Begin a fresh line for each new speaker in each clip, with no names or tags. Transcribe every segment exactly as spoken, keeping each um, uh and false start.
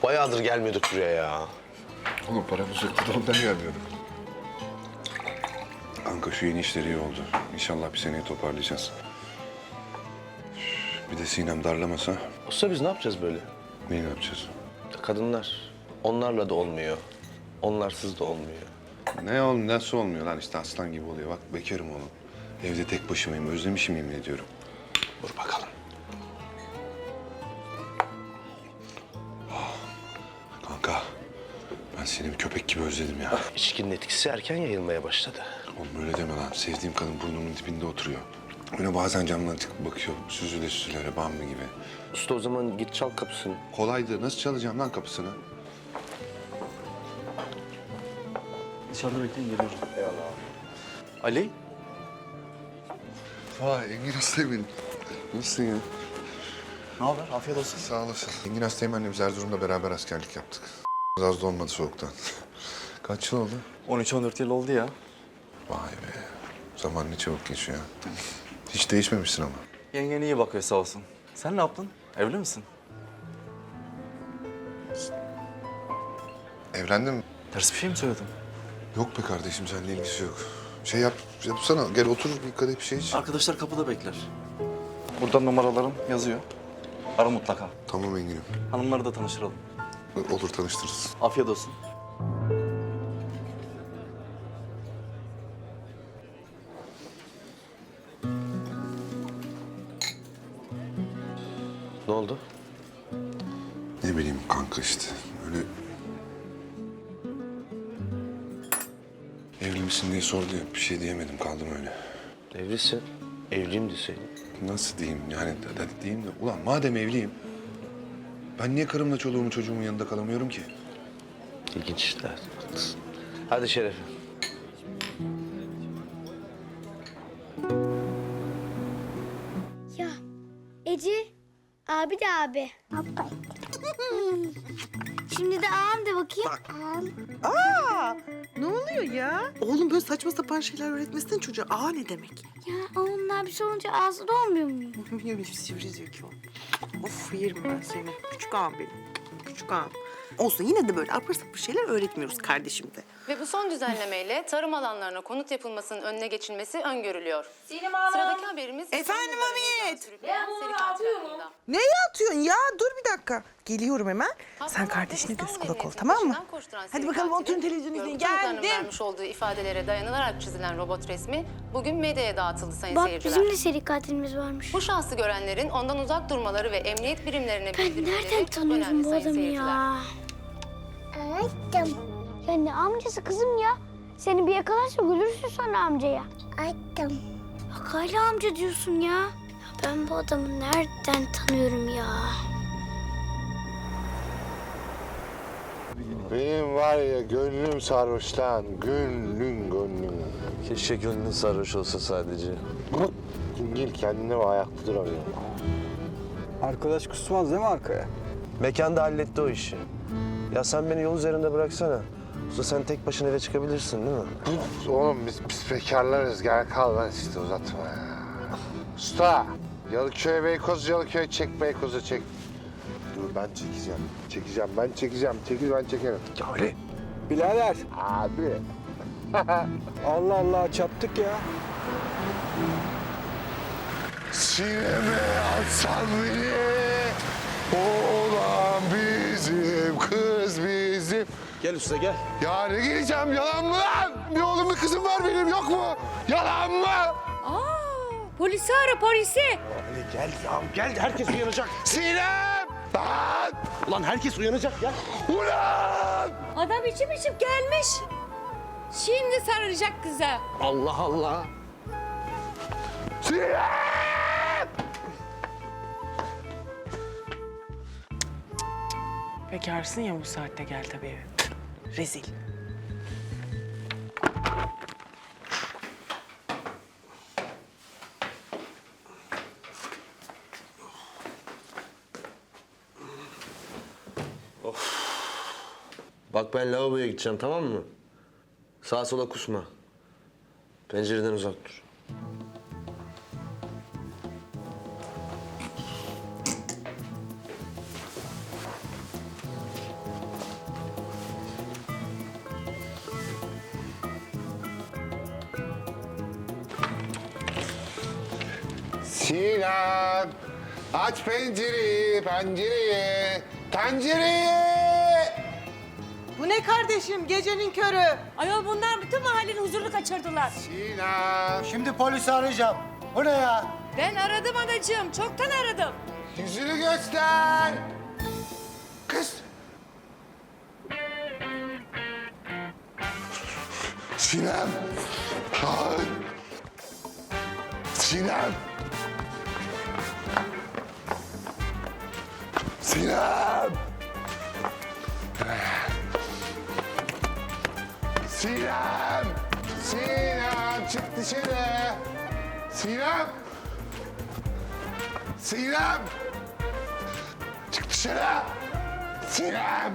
Bayağıdır gelmiyorduk buraya ya.
Oğlum paramız yoktu da ondan gelmiyorduk. Kanka şu yeni işleri iyi oldu. İnşallah bir seneye toparlayacağız. Bir de Sinem darlamasa
Usta biz ne yapacağız böyle?
neyi yapacağız?
Kadınlar. Onlarla da olmuyor. Onlarsız da olmuyor.
Ne oğlum nasıl olmuyor lan işte aslan gibi oluyor. Bak bekarım oğlum. Evde tek başımayım. Özlemişim yemin ediyorum.
Dur bakalım.
Kanka ben seni bir köpek gibi özledim ya.
İçkinin etkisi erken yayılmaya başladı.
Oğlum öyle deme lan. Sevdiğim kadın burnumun dibinde oturuyor. Öyle bazen camdan çıkıp bakıyor. Süzüle süzüle Bambi gibi.
Usta o zaman git çal kapısını.
Kolaydı. Nasıl çalacağım lan kapısını?
Dışarıda bekleyin, geliyorum.
Ali?
Vay Engin Asteğmen. Nasılsın ya?
Ne haber? Afiyet olsun.
Sağ olasın. Engin Asteğmen'le biz Erzurum'da beraber askerlik yaptık. Az da olmadı soğuktan. Kaç yıl oldu?
on üç on dört yıl oldu ya.
Vay be. Zaman ne çabuk geçiyor. Hiç değişmemişsin ama.
Yengen iyi bakıyor sağ olsun. Sen ne yaptın? Evli misin?
Evlendin mi?
Ters bir şey mi söyledim?
Yok be kardeşim, seninle ilgisi yok. Şey yap, yapsana. Gel otur bir kadeh bir şey iç.
Arkadaşlar kapıda bekler. Burada numaralarım yazıyor. Ara mutlaka.
Tamam Engin'im.
Hanımları da tanıştıralım.
Olur tanıştırırız.
Afiyet olsun.
Ne oldu?
Ne bileyim kanka işte. Öyle... Evli misin diye sordu ya. Bir şey diyemedim. Kaldım öyle.
Evlisin. Evliyim deseydin.
Nasıl diyeyim yani? Hadi diyeyim de. Ulan madem evliyim. Ben niye karımla çoluğumun çocuğumun yanında kalamıyorum ki?
İlginç işler. Haklısın. Hadi Şeref'im.
Ya Ece, abi de abi. Şimdi de ağam de bakayım. Ağam.
Aa, ne oluyor ya? Oğlum böyle saçma sapan şeyler öğretmesene çocuğa. Aa ne demek?
Ya onun abisi olunca ağzı da olmuyor mu?
Böyle sivri zeki ol. Of yerim ben seni. Küçük ağam benim. Küçük ağam. Olsun yine de böyle apır sapır şeyler öğretmiyoruz kardeşim de.
Ve bu son düzenlemeyle tarım alanlarına konut yapılmasının önüne geçilmesi öngörülüyor. Sıradaki haberimiz...
Efendim Hamiyet?
Sürükleyen seri katil hakkında.
Neye atıyorsun ya? Dur bir dakika. Geliyorum hemen. Sen kardeşine göz kulak ol tamam mı? Hadi bakalım oturun televizyon izleyin. Geldim.
vermiş olduğu ifadelere dayanılarak çizilen robot resmi bugün medyaya dağıtıldı sayın
Bak
seyirciler.
bizim de seri katilimiz varmış.
Bu şahsı görenlerin ondan uzak durmaları ve emniyet birimlerine
Ben
bildirmeleri
nereden
çok
tanıyorum
önemli
bu
sayın
adamı
seyirciler.
ya? Açtım. Ya ne amcası kızım ya? Seni bir yakalarsa gülürsün sonra amcaya. Açtım. Bak hala amca diyorsun ya. Ya ben bu adamı nereden tanıyorum ya?
Benim var ya gönlüm sarhoş lan. Gönlüm gönlüm.
Keşke gönlün sarhoş olsa sadece.
Dingil kendine ve ayakta duramıyor.
Arkadaş kusmaz değil mi arkaya?
Mekan da halletti o işi. Ya sen beni yol üzerinde bıraksana. Usta sen tek başına eve çıkabilirsin değil mi?
Oğlum biz pis bekarlarız. Gel kal lan işte uzatma ya. Usta. Yalıköy Beykoz, Yalıköy çek Beykoz'a çek. Dur ben çekeceğim. Çekeceğim ben çekeceğim. Çekil ben çekerim.
Ya öyle.
Birader
Abi.
Allah Allah çaptık ya.
Sineme atsan beni. Oğlan bizim, kız bizim.
Gel usta gel.
Ya ne geleceğim yalan mı lan? Bir oğlum bir kızım var benim yok mu? Yalan mı?
Polisi ara polisi.
Ali gel ya gel herkes uyanacak.
Sinem! Lan!
Ulan herkes uyanacak ya.
Ulan!
Adam içim içim gelmiş. Şimdi sarılacak kıza.
Allah Allah.
Sinem!
Bekarsın ya bu saatte gel tabii eve. Rezil.
Bak ben lavaboya gideceğim tamam mı? Sağa sola kusma. Pencereden uzak dur.
Sinem, aç pencereyi, pencereyi, tencereyi.
Bu ne kardeşim gecenin körü?
Ayol bunlar bütün mahallenin huzurunu kaçırdılar.
Sinem,
Şimdi polisi arayacağım. Bu ne ya?
Ben aradım anacığım. Çoktan aradım.
yüzünü göster. Kız. Sinem. Ay. Sinem. Sinem. Sinem. Sinem çık dışarı. Sinem. Sinem. Çık dışarı. Sinem.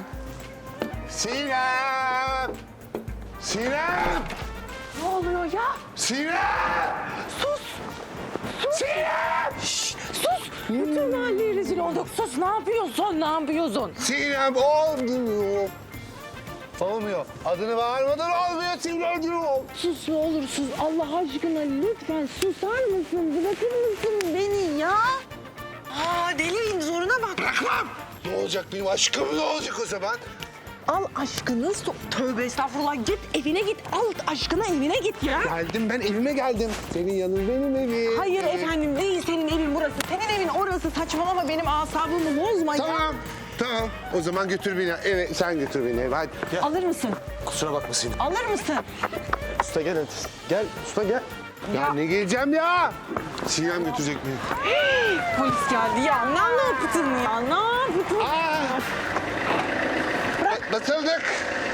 Sinem. Sinem.
Ne oluyor ya?
Sinem.
Sus!
Sinem.
Sus! Bütün mahalleye rezil olduk. Sus ne yapıyorsun? Ne yapıyorsun?
Sinem olmuyor. Olmuyor. Adını bağırmadan olmuyor Sinem'ciğim.
Sus ne olur sus. Allah aşkına lütfen susar mısın? Bırakır mısın beni ya?
Aa deliyim zoruna bak.
Bırakmam. Ne olacak benim aşkım ne olacak o zaman?
Al aşkını. so- Tövbe estağfurullah. Git evine git. Al aşkına evine git ya.
Geldim ben evime geldim. Senin yanın benim evim.
Hayır efendim değil senin evin burası. Senin evin orası. Saçmalama benim asabımı bozma ya.
Tamam. Tamam. O zaman götür beni eve. Sen götür beni eve hadi.
Alır mısın?
Kusura bakma Sinem.
Alır mısın?
Usta gel hadi. Gel usta gel.
Ya ne geleceğim ya? Sinem götürecek beni.
Polis geldi ya. Ne yaptın ya? Ne yaptın?
Aa! Atlatıldık.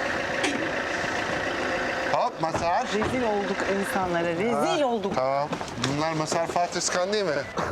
Hop Masar.
Rezil olduk insanlara. Rezil olduk.
Tamam. Bunlar Masar Fatih Iskan değil mi?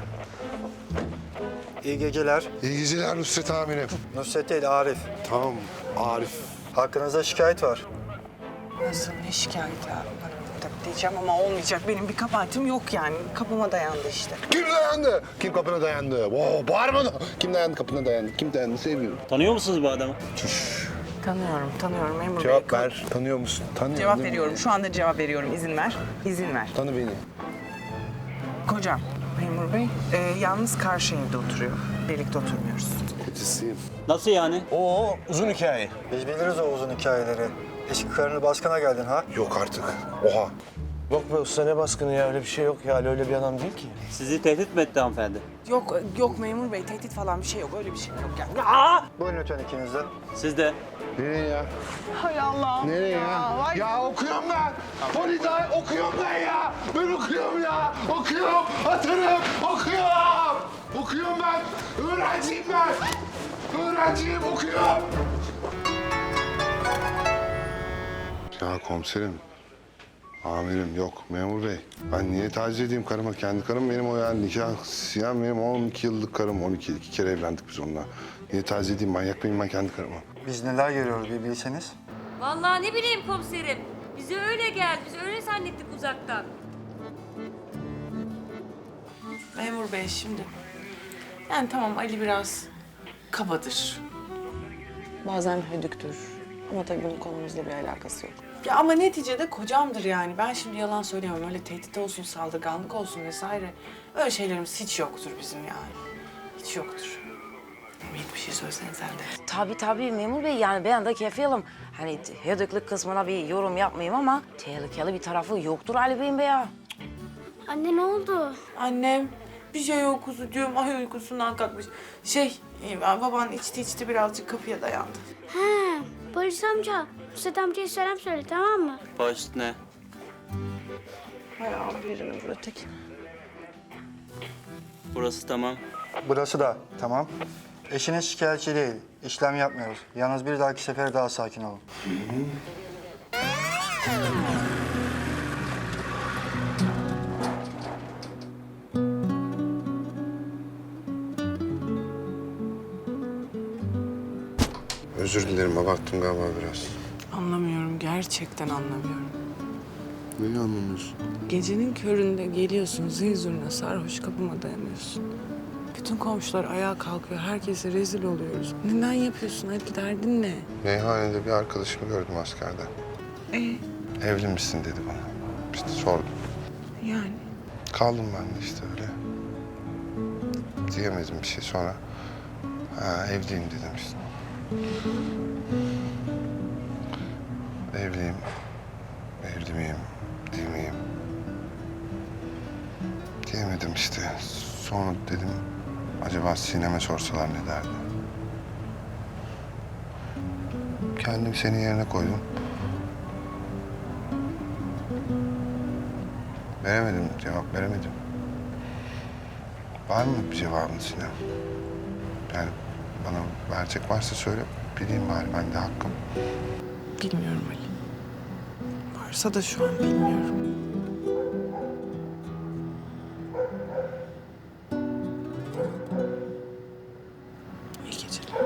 İyi geceler.
İyi geceler Nusret amirim.
Nusret değil, Arif.
Tamam Arif.
Hakkınızda şikayet var.
Nasıl ne şikayet ya? Tabii diyeceğim ama olmayacak. Benim bir kabahatim yok yani. Kapıma dayandı işte.
Kim dayandı? Kim kapına dayandı? Oo, bağırma da. Kim dayandı kapına dayandı? Kim dayandı sevmiyorum.
Tanıyor musunuz bu adamı?
Tanıyorum, tanıyorum memur
Cevap
bey.
ver. Tanıyor musun? Tanıyorum.
Cevap
değil mi?
veriyorum. Şu anda cevap veriyorum. İzin ver. İzin ver.
Tanı beni.
Kocam memur bey e, yalnız karşı evde oturuyor. Birlikte oturmuyoruz.
Kocisiyim.
Nasıl yani?
Oo, uzun hikaye. Biz biliriz o uzun hikayeleri. Eski karını baskına geldin ha?
Yok artık. Oha.
Yok be usta ne baskını ya öyle bir şey yok ya. Ali öyle bir adam değil ki.
Sizi tehdit mi etti hanımefendi?
Yok, yok memur bey. Tehdit falan bir şey yok. Öyle bir şey yok yani.
Buyurun lütfen ikiniz de.
Siz de.
Nereye ya?
Hay Allah'ım.
Nereye ya?
vay.
Ya okuyorum ben. Polizay okuyorum ben ya. Ben okuyorum ya. Okuyorum. Atarım. Okuyorum. Okuyorum ben. Öğrenciyim ben. Öğrenciyim okuyorum. Ya komiserim. Amirim yok memur bey. Ben niye taciz edeyim karıma? Kendi karım benim o yani nikah siyah benim on iki yıllık karım. on iki iki kere evlendik biz onunla. Niye taciz edeyim? Manyak mıyım ben kendi karıma?
Biz neler görüyoruz bir bilseniz.
Vallahi ne bileyim komiserim. Bize öyle geldi. Biz öyle zannettik uzaktan.
Memur bey şimdi. Yani tamam Ali biraz kabadır. Bazen hödüktür. Ama tabii bunun konumuzla bir alakası yok. Ya ama neticede kocamdır yani. Ben şimdi yalan söyleyemem. Öyle tehdit olsun, saldırganlık olsun vesaire. Öyle şeylerimiz hiç yoktur bizim yani. Hiç yoktur. Ümit bir şey söylesene sen de.
Tabii tabii memur bey yani ben de kefilim. Hani hödüklük kısmına bir yorum yapmayayım ama tehlikeli bir tarafı yoktur Ali Bey'in be ya.
Anne ne oldu?
Annem bir şey yok kuzucuğum. Ay uykusundan kalkmış. Şey e, baban içti içti birazcık kapıya dayandı.
He, polis amca. Nusret amcaya selam söyle tamam mı?
Baş ne?
Hay birini vur öteki.
Burası tamam.
Burası da tamam. Eşiniz şikayetçi değil. İşlem yapmıyoruz. Yalnız bir dahaki sefer daha sakin olun.
Özür dilerim abarttım galiba biraz.
Anlamıyorum gerçekten anlamıyorum.
Neyi anlamıyorsun?
Gecenin köründe geliyorsun zil zurna sarhoş kapıma dayanıyorsun. Bütün komşular ayağa kalkıyor. Herkese rezil oluyoruz. Neden yapıyorsun? Hadi derdin ne?
Meyhanede bir arkadaşımı gördüm askerde.
Ee,
Evli misin dedi bana. İşte sordum.
yani
Kaldım ben de işte öyle. diyemedim bir şey. Sonra ha, evliyim dedim işte. Evliyim. Evli miyim? Değil miyim? Diyemedim işte. Sonra dedim acaba Sinem'e sorsalar ne derdi? Kendim senin yerine koydum. Veremedim, cevap veremedim. Var mı bir cevabın Sinem? Yani bana verecek varsa söyle, bileyim bari, ben de hakkım.
Bilmiyorum Ali. Varsa da şu an bilmiyorum. İyi geceler.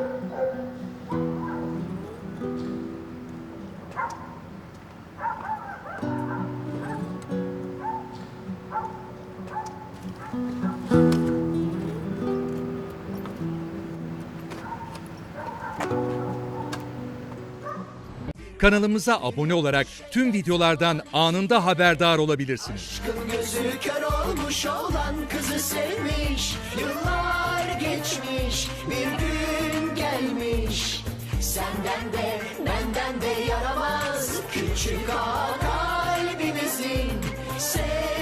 Kanalımıza abone olarak tüm videolardan anında haberdar olabilirsiniz.
Gözü kör olmuş olan kızı sevmiş. Yıllar geçmiş, bir gün gelmiş. Senden de benden de yaramaz küçük ağa kalbimizin. Sev